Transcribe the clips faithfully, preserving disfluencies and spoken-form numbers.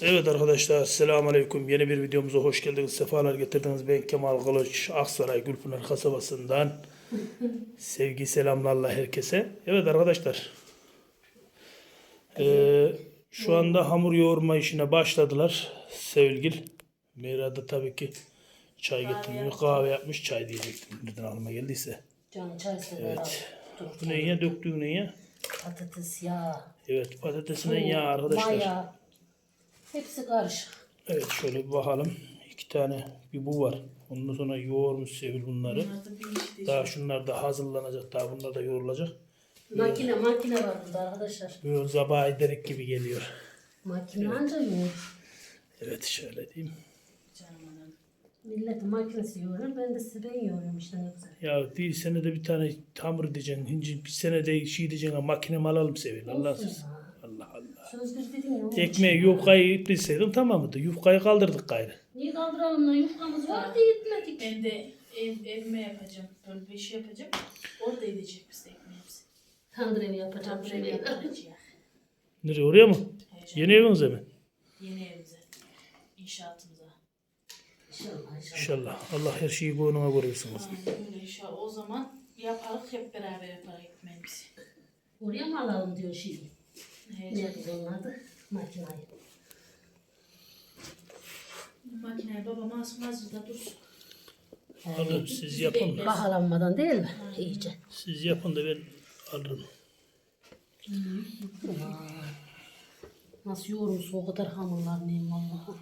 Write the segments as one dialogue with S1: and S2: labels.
S1: Evet arkadaşlar, selamünaleyküm. Yeni bir videomuza hoş geldiniz. Sefalar getirdiniz. Ben Kemal Kılıç, Aksaray Gülpınar kasabasından. Sevgi selamlarla herkese. Evet arkadaşlar. Ee, şu anda hamur yoğurma işine başladılar. Sevgil. Meyra da tabii ki çay getirmiyor. Kahve yapmış. Çay diyecektim. Nereden aklıma geldiyse.
S2: Canı çay sever
S1: Evet.
S2: abi.
S1: Bu ne ya? Döktüğün ne ya?
S2: Patates, yağ,
S1: Evet, patatesine
S2: tuz,
S1: yağ arkadaşlar.
S2: maya. Hepsi karışık.
S1: Evet, şöyle bir bakalım. İki tane bir bu var. Ondan sonra yoğurmuş Sevil bunları. Daha şunlar da hazırlanacak. Daha bunlar da yoğrulacak.
S2: Makine makine var burada arkadaşlar.
S1: Böyle zabah ederek gibi geliyor.
S2: Makine anca yoğurur.
S1: Evet, şöyle diyeyim.
S2: Milletin makinesi yoğurur. Ben de size ben yoğuruyorum işte ne güzel.
S1: Ya bir senede bir tane hamur diyeceksin. Hinci bir senede şey diyeceksin. Ha, makinemi alalım Sevil. Allah
S2: Olsun
S1: siz.
S2: ya.
S1: Allah Allah.
S2: Söz bir dedin ya. onun
S1: Ekmeği
S2: için.
S1: yufkayı ipleseydim tamamıydı. Yufkayı kaldırdık gayrı.
S2: Niye kaldıralım lan? Yufkamız vardı yetmedik.
S3: Ben de ev, evime yapacağım. Böyle bir şey yapacağım. Orada edecek biz de ekmeğimizi.
S2: Tandır evi yapacağım.
S3: Tam buraya
S2: Şöyle.
S3: yapacağız.
S1: Nereye, oraya mı?
S3: Heyecan.
S1: Yeni evinize mi?
S3: Yeni evimize. İnşaatımıza.
S2: İnşallah inşallah.
S1: İnşallah. Allah her şeyi boynuna koruyorsunuz.
S3: Aynen öyle inşallah. O zaman yaparız hep beraber yaparız ekmeğimizi.
S2: Oraya mı alalım diyor şimdi.
S3: Heyecan.
S2: Ne güzel onun adı? Makinayı.
S3: Makineyi babam asmaz da dursun.
S1: Alın, siz yapın da.
S2: Bahalanmadan değil mi? İyice.
S1: Siz yapın da ben alırım.
S2: Nasıl yoğurmuş o kadar hamurlar neyim Allah'ım.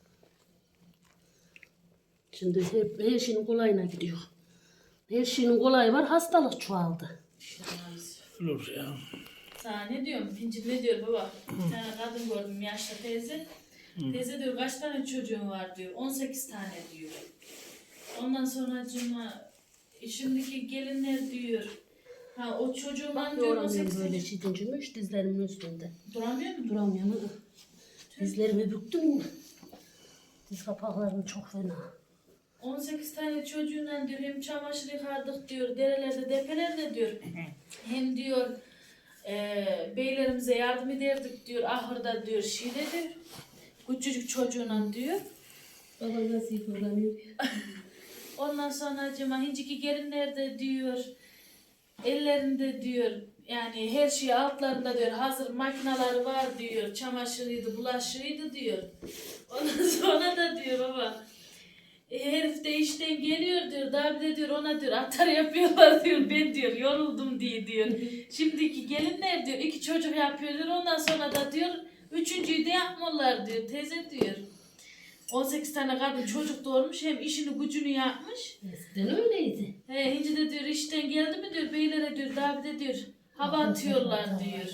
S2: Şimdi hep her şeyin kolayına gidiyor. Her şeyin kolayı var, hastalık çoğaldı.
S1: Olur ya.
S3: Sana ne diyorum? Pinci ne diyor baba? Bir tane kadın gördüm yaşlı teyze. Teyze diyor kaç tane çocuğun var diyor. on sekiz tane diyor. Ondan sonra cuma şimdiki gelinler diyor. Ha o çocuğum
S2: Bak
S3: diyor on
S2: yoğuramıyorum
S3: sekiz
S2: böyle şidincimmiş dizlerimin üstünde.
S3: Duramıyor mu?
S2: Duramıyorum. ı. Dizlerimi büktüm. Diz kapaklarım çok fena.
S3: on sekiz tane çocuğuyla diyor hem çamaşır yıkardık diyor, derelerde, depelerde diyor. Hem diyor e, beylerimize yardım ederdik diyor, ahırda diyor, şeyde diyor. Küçücük çocuğuyla diyor.
S2: Baba nasıl yıkılamıyor?
S3: Ondan sonra cima hinciki gelinlerde diyor, ellerinde diyor, yani her şey altlarında diyor, hazır makineleri var diyor, çamaşırıydı, bulaşığıydı diyor. Ondan sonra da diyor baba, e, herif de işten geliyor diyor, daha bir de diyor ona diyor atar yapıyorlar diyor, ben diyor yoruldum diye diyor. Şimdiki gelinler diyor iki çocuk yapıyor diyor, ondan sonra da diyor üçüncüyü de yapmıyorlar diyor, teyze diyor. on sekiz tane kadın çocuk doğurmuş, hem işini gücünü yapmış.
S2: Eskiden öyleydi.
S3: He, Hinci de diyor işten geldi mi diyor, beylere diyor, daha bir de diyor hava atıyorlar diyor.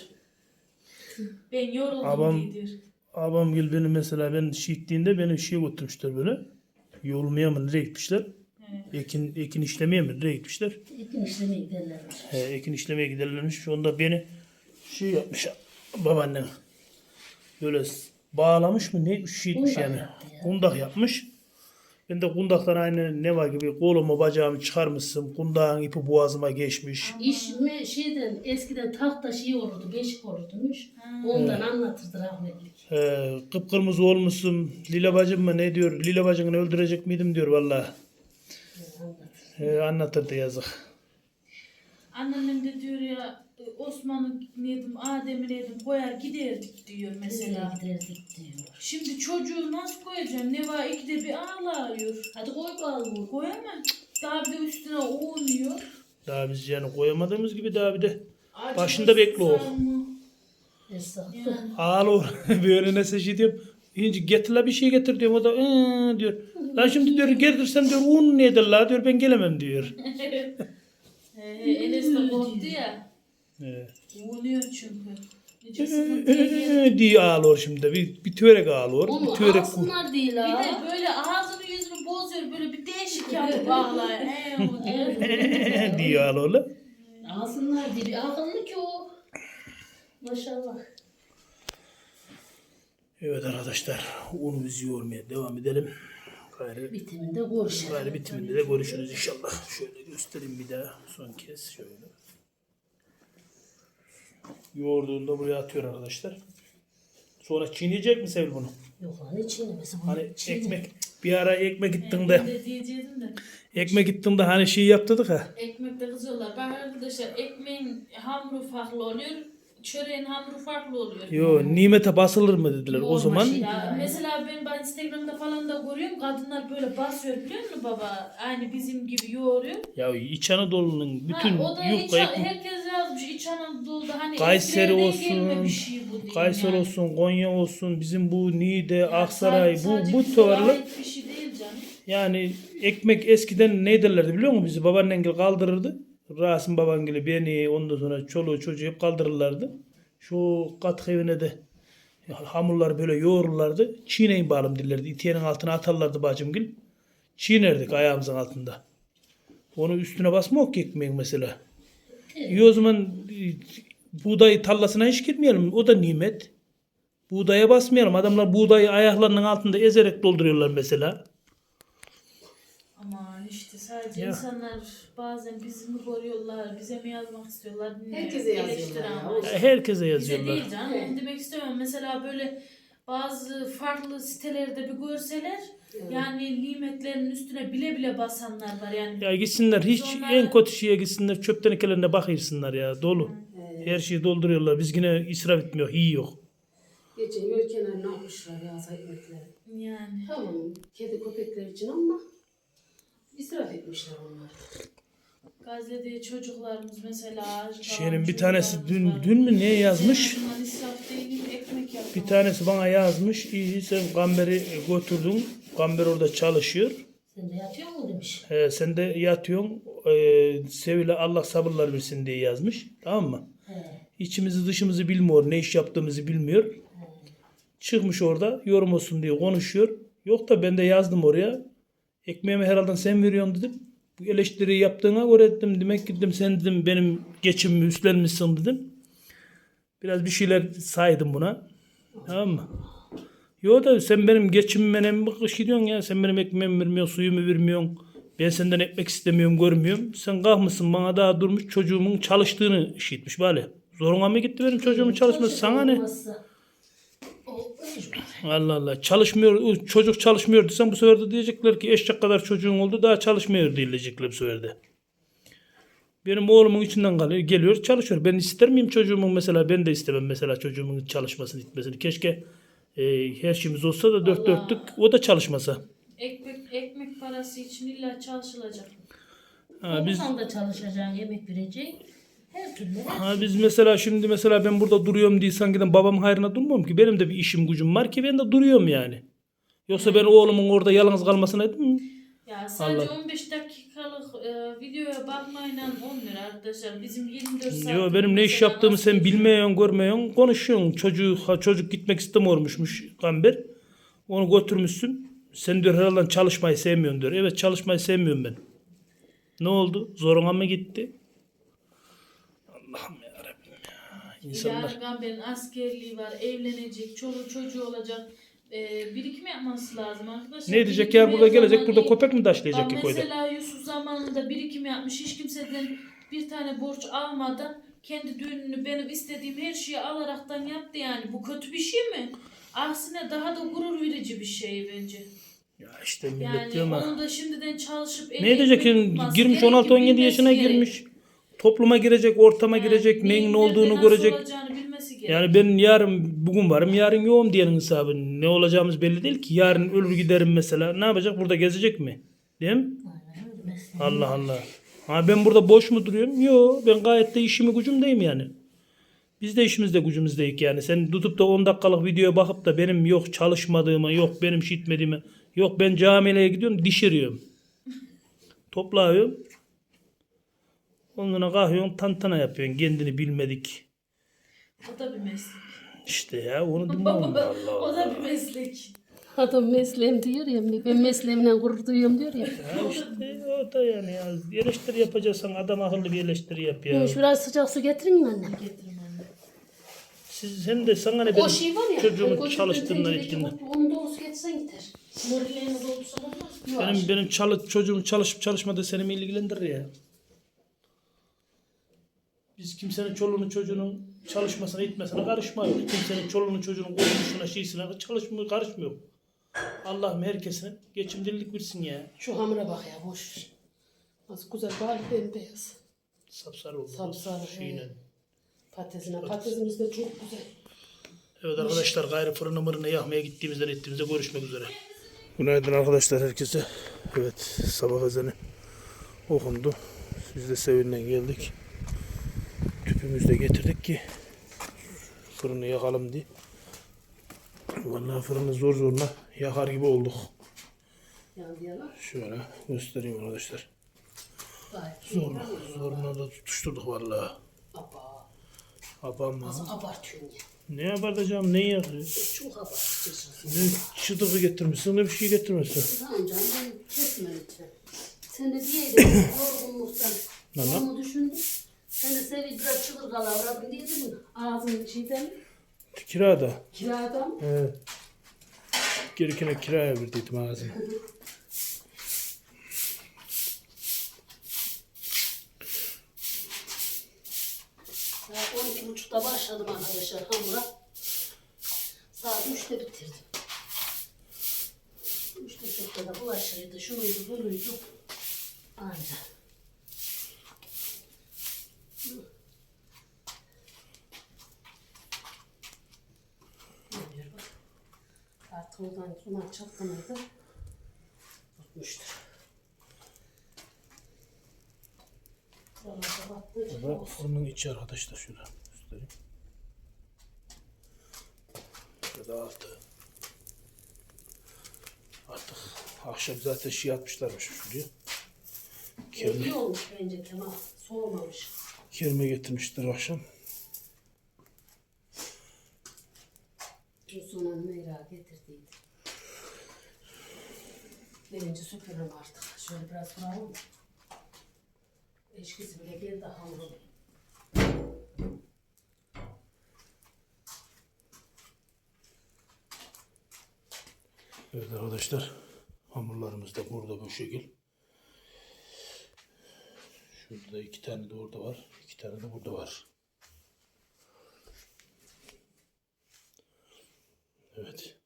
S3: Ben yoruldum
S1: Abam-
S3: diye diyor.
S1: Abam gel beni mesela, ben şehitliğinde beni şeye götürmüşler böyle. Yolmaya mı nereye gitmişler? Ekin, ekin işlemeye mi nereye gitmişler?
S2: İlkin işlemeye giderlermiş.
S1: He, ekin işlemeye giderlermiş. Onda beni şey yapmış babaannem. Böyle bağlamış mı ne şey etmiş
S2: Kundak
S1: yani.
S2: yaptı ya.
S1: Kundak yapmış. Ben de kundaktan aynı ne var gibi kolumu bacağımı çıkarmışsın. Kundağın ipi boğazıma geçmiş.
S2: İş mi şeyden eskiden tahta şey olurdu, beşik olurdumuş. Ondan anlatırdı rahmetlik.
S1: He, kıpkırmızı olmuşsun. Lila bacım mı ne diyor? Lila bacını öldürecek miydim diyor vallahi.
S2: Anlatır.
S1: He, anlatırdı yazık.
S3: Anneannem de diyor ya Osman'ı neydim, Adem'i neydim koyar giderdik diyor mesela.
S2: Mesela giderdik diyor.
S3: Şimdi çocuğu nasıl koyacağım? Ne var ikide bir ağlıyor.
S2: Hadi koy bakalım.
S3: Koyamam. Daha bir de üstüne uğunuyor.
S1: Daha biz yani koyamadığımız gibi daha bir de
S3: Acı
S1: başında bekle o.
S3: susar mı?
S2: Esnaf.
S3: Yani.
S1: Ağlıyor. Böyle ne şey diyorum. Hinci getir la bir şey getir diyorum. O da ıı diyor. La şimdi diyor getirsen diyor un nedir la diyor, ben gelemem diyor.
S3: He, Enes de korktu ya.
S1: He.
S3: Uğunuyor çünkü. Nece sıkıntıya geldi.
S1: diye ağlıyor şimdi. Bir, bir törek ağlıyor.
S2: Onu
S1: Bir törek
S2: alsınlar değil
S3: Bir
S2: ha.
S3: de böyle ağzını yüzünü bozuyor. Böyle bir değişik yapıp ağlıyor. He, o diyor.
S1: diye ağlıyor.
S2: Alsınlar diye bir akıllı ki o. Maşallah.
S1: Evet arkadaşlar, unumuzu yoğurmaya devam edelim. Gayrı,
S2: Bitiminde görüşelim.
S1: gayrı bitiminde de görüşürüz inşallah. Şöyle göstereyim bir daha son kez şöyle. Yoğurduğunda buraya atıyor arkadaşlar. Sonra çiğneyecek mi Sevil bunu?
S2: Yok lan ne çiğnemesi bu?
S1: Hani
S2: Çiğne.
S1: ekmek bir ara ekmek gittin
S3: Ben
S1: de
S3: de diyecektim de.
S1: ekmek gittin de hani şey yaptırdık ha.
S3: Ekmekte kızıyorlar. Bak arkadaşlar ekmeğin hamuru farklı oluyor. Çöreğin hamuru farklı oluyor.
S1: Yo nimete basılır mı dediler o
S2: Yoğurma
S1: zaman.
S2: şey.
S3: Ya mesela ben, ben Instagram'da falan da görüyorum. Kadınlar böyle basıyor biliyor musun baba? Aynı bizim gibi yoğuruyor.
S1: Ya İç Anadolu'nun bütün
S3: Ha, o da İç,
S1: yufka ekmek.
S3: herkes yazmış İç Anadolu'da hani
S1: Kayseri
S3: eskilerden gelme
S1: olsun,
S3: bir şey bu diyeyim
S1: Kayseri
S3: yani.
S1: olsun, Konya olsun, bizim bu Niğde,
S3: Yani
S1: Aksaray,
S3: sadece
S1: bu bu
S3: bize
S1: tuvarlar
S3: ait bir şey değil canım.
S1: yani ekmek eskiden ne derlerdi biliyor musun? Bizi babaannengil kaldırırdı. Rasim babangili beni ondan sonra çoluğu çocuğu hep kaldırırlardı. Şu katkı evine de hamurları böyle yoğururlardı. Çiğneyin bağlım dillerdi. İtiyenin altına atarlardı bacımgil. Çiğnerdik ayağımızın altında. Onu üstüne basma yok ki ekmeğin mesela. İyi o zaman e, buğday tarlasına hiç gitmeyelim. O da nimet. Buğdaya basmayalım. Adamlar buğdayı ayaklarının altında ezerek dolduruyorlar mesela.
S3: Aman işte sadece
S1: Ya.
S3: insanlar bazen bizi mi koruyorlar, bize mi yazmak istiyorlar bilmiyorum.
S2: Herkese yazıyorlar
S3: Eleştiri
S2: ya.
S3: amaçlı.
S1: Herkese
S3: Bize
S1: yazıyorlar.
S3: değil canım.
S2: Evet.
S3: Onu demek istemiyorum. Mesela böyle bazı farklı sitelerde bir görseler yani nimetlerin üstüne bile bile basanlar var yani.
S1: Ya gitsinler hiç
S3: Biz
S1: en
S3: onlara-
S1: kötü şeye gitsinler çöp tenekelerine bakırsınlar ya dolu. Her şeyi dolduruyorlar. Biz yine israf etmiyor. İyi yok.
S2: Geçen yol kenarına atmışlar ya ekmekleri.
S3: Yani.
S2: Tamam kedi köpekler için ama israf etmişler onlar.
S3: Gazze'de çocuklarımız mesela aç kalan
S1: Şeyin bir tanesi dün
S3: çocuklarımız var.
S1: dün mü ne yazmış?
S3: En azından israf değil, ekmek yapmak.
S1: Bir tanesi bana yazmış. İyi sen Gamber'i götürdün. Gamber orada çalışıyor.
S2: Sen de yatıyor mu demiş.
S1: He, sen de yatıyorsun. Ee, Sevil'e Allah sabırlar versin diye yazmış. Tamam mı?
S2: He.
S1: İçimizi dışımızı bilmiyor. Ne iş yaptığımızı bilmiyor. Çıkmış orada yorum olsun diye konuşuyor. Yok da ben de yazdım oraya. Ekmeğimi herhalde sen veriyorsun dedim. Bu eleştiriyi yaptığına göre dedim. Demek ki dedim sen dedim benim geçimimi üstlenmişsin dedim. Biraz bir şeyler saydım buna. Tamam mı? Yo da sen benim geçimime mi bakışıyorsun ya? Sen benim ekmeğimi vermiyorsun, suyumu vermiyorsun. Ben senden ekmek istemiyorum, görmüyorum. Sen kalkmışsın bana daha durmuş çocuğumun çalıştığını işitmiş böyle. Zoruna mı gitti benim çocuğumun çalışması? Sana ne?
S2: Olmazsa o mecbur.
S1: Allah Allah. Çalışmıyor, çocuk çalışmıyor desem bu sefer de diyecekler ki eşek kadar çocuğun oldu daha çalışmıyor diyecekler bu sefer de. Benim oğlumun içinden kalıyor, geliyor çalışıyor. Ben ister miyim çocuğumun mesela? Ben de istemem mesela çocuğumun çalışmasını, gitmesini. Keşke e, her şeyimiz olsa da dört
S3: Allah.
S1: dörtlük o da çalışmasa.
S3: Ekmek, ekmek parası için illa çalışılacak.
S1: Ha, biz
S2: Biz da çalışacaksın, yemek vereceksin. Her türlü.
S1: ha, biz mesela şimdi mesela ben burada duruyorum diye sanki de babamın hayrına durmuyorum ki. Benim de bir işim gücüm var ki ben de duruyorum yani. Yoksa ben oğlumun orada yalnız kalmasına etmem mi?
S3: Ya sadece
S1: Allah.
S3: on beş dakikalık e, videoya bakmayla olmuyor arkadaşlar. Bizim yirmi dört saat.
S1: Yo benim ne iş yaptığımı sen bilmiyorsun, görmüyorsun, konuşuyorsun. Çocuk, ha, çocuk gitmek istemiyormuşmuş Gamber. Onu götürmüşsün. Sen diyor herhalde çalışmayı sevmiyorsun diyor. Evet çalışmayı sevmiyorum ben. Ne oldu? Zoruna mı gitti? Allah'ım yarabbim ya. İnsanlar.
S3: İlhan Gamber'in askerliği var, evlenecek, çoluğu çocuğu olacak. E, birikim yapması lazım arkadaşlar.
S1: Ne diyecek
S3: Birikim
S1: ya burada
S3: her
S1: gelecek
S3: zaman
S1: burada
S3: iyi.
S1: köpek mi taşlayacak
S3: Bak
S1: ki koyda?
S3: mesela Yusuf zamanında birikim yapmış. Hiç kimseden bir tane borç almadan kendi düğününü benim istediğim her şeyi alaraktan yaptı yani. Bu kötü bir şey mi? Aksine daha da gurur verici bir şey bence.
S1: Ya işte millet
S3: Yani
S1: diyor ama.
S3: onu da şimdiden çalışıp
S1: Ne diyecek ki girmiş on altı on yedi yaşına girmiş. Topluma girecek, ortama girecek, neyin ne olduğunu görecek. Yani ben yarın bugün varım, yarın yoğum diyenin hesabı. Ne olacağımız belli değil ki. Yarın ölür giderim mesela. Ne yapacak? Burada gezecek mi? Değil mi?
S2: Aynen öyle mesleği.
S1: Allah Allah. Ha ben burada boş mu duruyorum? Yok. Ben gayet de işimi gücümdeyim yani. Biz de işimizde gücümüzdeyik yani. Sen tutup da on dakikalık videoya bakıp da benim yok çalışmadığımı, yok benim şey etmediğimi, yok ben camiye gidiyorum dişiriyorum. Toplıyorum. Ondan kalkıyorsun tantana yapıyorsun. Kendini bilmedik.
S3: O da bir meslek.
S1: İşte ya onu bilmem. Allah
S3: O
S1: Allah.
S3: da bir meslek.
S2: Adam mesleğim diyor ya, ben mesleğimle gurur duyuyorum diyor ya.
S1: Ya işte o da yani ya. Eleştiri yapacaksan adam akıllı bir eleştiri yap ya.
S2: Şuraya sıcak su getirin mi annem?
S3: Getirin anne.
S1: Siz hem de sana ne benim
S2: O şey var ya.
S1: çocuğumun
S2: hani
S1: çalıştığından
S2: tenceredeki
S1: ettiğinden.
S2: bu- Onu doğrusu getirsen gider.
S3: Morillerini doldursa olmaz mı?
S1: Benim benim çalı, çocuğum çalışıp çalışmadığı seni mi ilgilendirir ya? Biz kimsenin çoluğunu çocuğunun çalışmasına gitmesine karışma yok. Kimsenin çoluğunun çocuğunun korkmuşuna şeysine çalışmıyor, karışmıyor. Allah'ım herkesin geçimlilik versin ya.
S2: Şu hamura bak ya boş ver. Nasıl güzel bari bembeyaz.
S1: Sapsarı oldu.
S2: Sapsarı,
S1: Şeyle.
S2: he. Patatesine. Patatesimiz de çok güzel.
S1: Evet arkadaşlar gayrı fırını mırını yakmaya gittiğimizden ettiğimizde görüşmek üzere. Günaydın arkadaşlar herkese. Evet sabah ezanı okundu. Biz de Sevin'den geldik. Tüpümüzü de getirdik ki fırını yakalım diye. Vallahi fırını zor zorla yakar gibi olduk.
S2: Yandı yalan.
S1: Şöyle göstereyim arkadaşlar.
S2: Gayet
S1: Zorla, zorla da tutuşturduk vallahi.
S2: Aba.
S1: Abam
S2: Nasıl abartıyorsun ya?
S1: ne abartacağım, ne yakıyor?
S2: Çok abartıyorsun.
S1: Ne çıtığı getirmişsin, ne bir şey getirmişsin.
S2: Tamam canım ben kesme lütfen. Sen de diyeydin yorgunluktan.
S1: Nana?
S2: Onu düşündüm. Sen de Sevil biraz çıkır kalavradın diyedin mi? Ağzın şeyden mi?
S1: Kirada.
S2: Kirada mı?
S1: Evet. Gerekene kiraya verdiydim ağzını.
S2: Saat on iki buçukta başladım arkadaşlar hamura. Saat üçte bitirdim. Üçte çokta da bulaşıydı, şunuydu, bunuydu. Aynen. Ne diyor bak. Artık oradan duman çatlamaydı. Tutmuştur. Buralarda battığı için
S1: Bu
S2: olsun.
S1: fırının içi arkadaşlar şurada göstereyim. Şurada altı. Artık akşam zaten şey atmışlarmış şuraya. Kerme,
S2: İyi olmuş bence Kemal. Soğumamış.
S1: kerme getirmişler akşam.
S2: Sonra Meyra getirdiydi. Birinci süpürüm artık. Şöyle biraz duralım. Eşkisi bile geldi hamurun.
S1: Evet arkadaşlar hamurlarımız da burada bu şekil. Şurada iki tane de orada var. İki tane de burada var. Evet.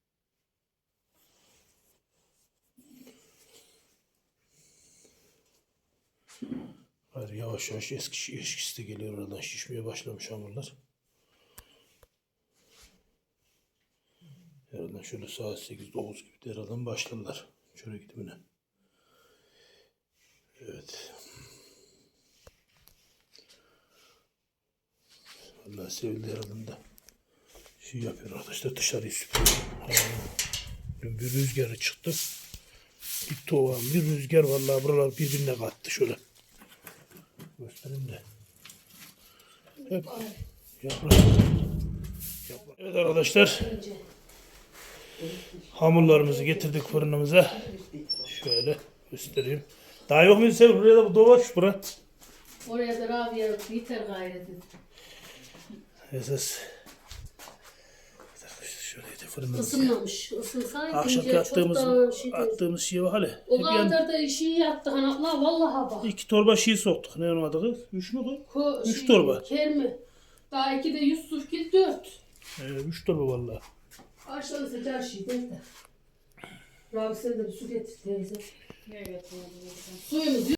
S1: Hayır, yavaş yavaş eski eskisi de geliyor oradan şişmeye başlamış hamurlar. Herhalde şöyle saat sekiz dokuz gibi de herhalde başladılar. Şöyle gidimine. Evet. Vallahi sevildi herhalde de. Şey yapıyor arkadaşlar dışarıyı süpürüyor. Ha. Dün bir rüzgarı çıktı. Bir tovan bir rüzgar vallahi buralar birbirine kattı şöyle. Göstereyim de. Hep yaprak. Yaprak. Evet arkadaşlar. Hamurlarımızı getirdik fırınımıza. Şöyle göstereyim. Daha yok mu Sevil? Buraya da bu dovaş bura.
S2: Oraya da Rabia biter gayret et.
S1: Esas. Şöyle de fırınımızı.
S2: Isınmamış. Isınsaydı
S1: Akşamki
S2: ince
S1: attığımız,
S2: çok da şey
S1: attığımız şey var hali.
S2: o
S1: Hep yan-
S2: kadar da işi yaptı hanatla vallahi bak.
S1: İki torba şey soktuk. Ne onun adı kız? Üç mü kız?
S2: Ko,
S1: Üç torba.
S2: Kermi. Daha iki de Yusuf Gil dört.
S1: Ee, üç torba vallahi.
S2: Aşağıda sıcak şey değil de. Rabi sen de bir su getir teyze.
S3: Evet.
S2: Suyumuz